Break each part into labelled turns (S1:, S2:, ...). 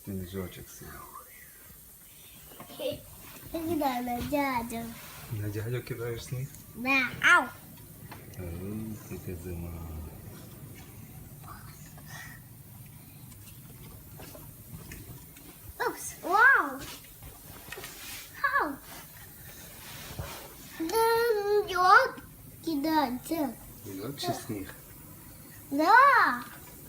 S1: Сніжочок сів.
S2: Кидаю на дядю.
S1: На дядю кидаєш сніг?
S2: Да. Ау.
S1: Яка зима.
S2: Упс. Вау. Ау. Да, лед кидается.
S1: Льод чи сніг?
S2: Да.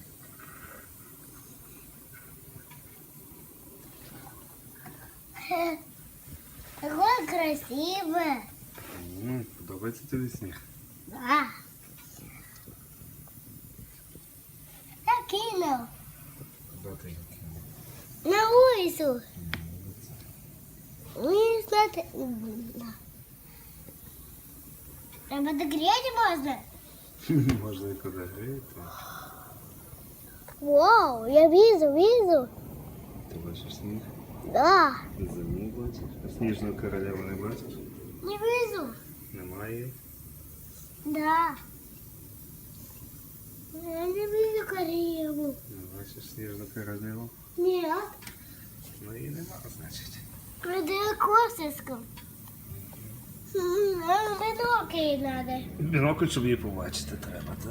S2: Какое красивое.
S1: Подобається тобі сніг?
S2: Да. Я кинул.
S1: Куди ти його кинув?
S2: На улицу. Не смотри. А подогреть можно?
S1: Можна і подогріти.
S2: Вау, я вижу.
S1: Ти бачиш сніг?
S2: Да.
S1: Зиму бачиш? А сніжну королеву не бачиш?
S2: Не вижу.
S1: Немає.
S2: Да. Я не вижу королеву.
S1: Не бачиш сніжну королеву?
S2: Нет.
S1: Ну її нема, значить.
S2: Далеко слишком. Нам бинокль надо.
S1: Бінокль, щоб її побачити треба, так?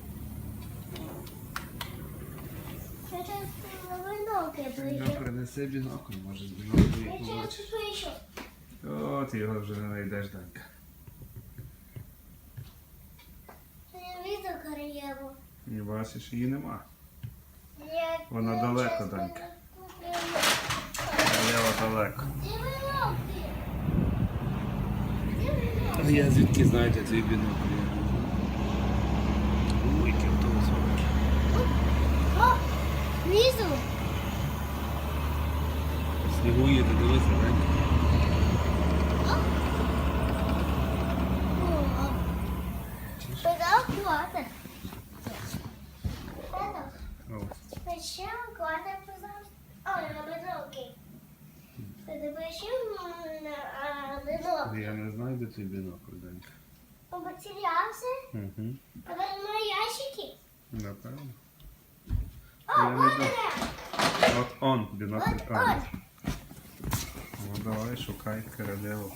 S2: Сейчас на бинокль
S1: Ну,
S2: поищу.
S1: принеси бінокль, може з біноклю
S2: Я
S1: її
S2: сейчас
S1: побачиш.
S2: поищу.
S1: О, ти його вже не знайдеш, Данька.
S2: Я вижу королеву.
S1: Не бачиш, її нема.
S2: Я
S1: Вона далеко, Данька. Королева далеко.
S2: Где бинокль?
S1: А я звідки знаю, де твій бінокль? Ой, який автобус.
S2: О, вижу.
S1: В снігу їде, дивися, Данька.
S2: Куда куда-то? Это.
S1: О,
S2: Зачем куда-то, пожалуйста? О, на бинокль. Это почему на бинокль?
S1: я не знаю, де твій бінокль, Данька.
S2: Он потерялся?
S1: Угу.
S2: А в мои ящики?
S1: Напевно.
S2: О,
S1: Я не
S2: вот
S1: знаю.
S2: она!
S1: От он, бінокль.
S2: Вот
S1: А,
S2: он!
S1: ну давай, шукай королеву.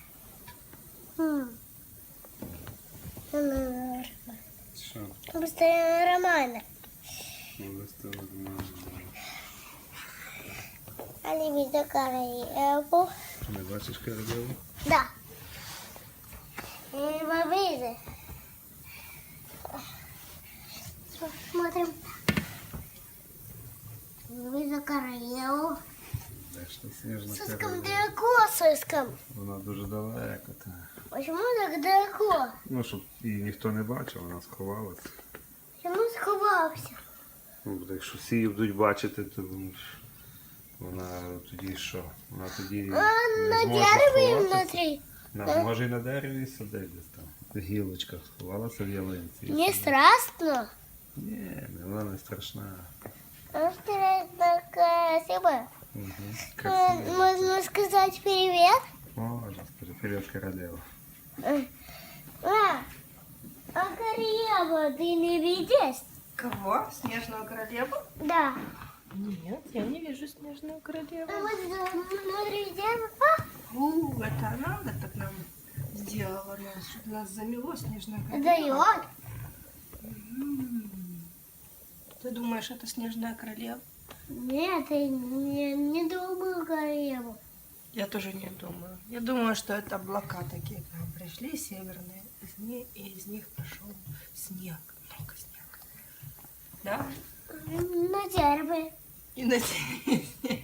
S1: Що?
S2: Постоянно романа.
S1: Ну, з того нормально.
S2: Они видят королеву.
S1: Не бачиш королеву?
S2: Да. И мы видим. Смотрим. Вижу королеву.
S1: Де ж та сніжна
S2: Слишком
S1: королева?
S2: далеко, слишком.
S1: Вона дуже далеко. Та.
S2: Почему так далеко?
S1: Ну, щоб її ніхто не бачив, вона сховалася.
S2: Почему сховался?
S1: Ну, бо якщо всі її будуть бачити, то вона тоді що? Вона тоді
S2: А на
S1: зможе
S2: дереве
S1: сховатися.
S2: внутри.
S1: Може і на дереві сидить десь там. В гілочках сховалася в ялинці.
S2: Не страшно.
S1: Ні, вона не страшна.
S2: Интересно, красиво.
S1: Угу. Красиво.
S2: Можно сказать привет?
S1: Можна, скажи, привіт, королева.
S2: А королеву ты не видишь?
S3: Кого? Снежную королеву?
S2: Да.
S3: Нет, я не вижу снежную королеву.
S2: А вот внутри дерева.
S3: Это она так нам сделала, чтобы нас замело снежная королева.
S2: Дает.
S3: Ты думаешь, это снежная королева?
S2: Нет, я не думаю королеву.
S3: Я тоже не думаю. Я думаю, что это облака такие к нам пришли, северные, и из них пошел снег, много снега. Да?
S2: На дерево.
S3: И на снег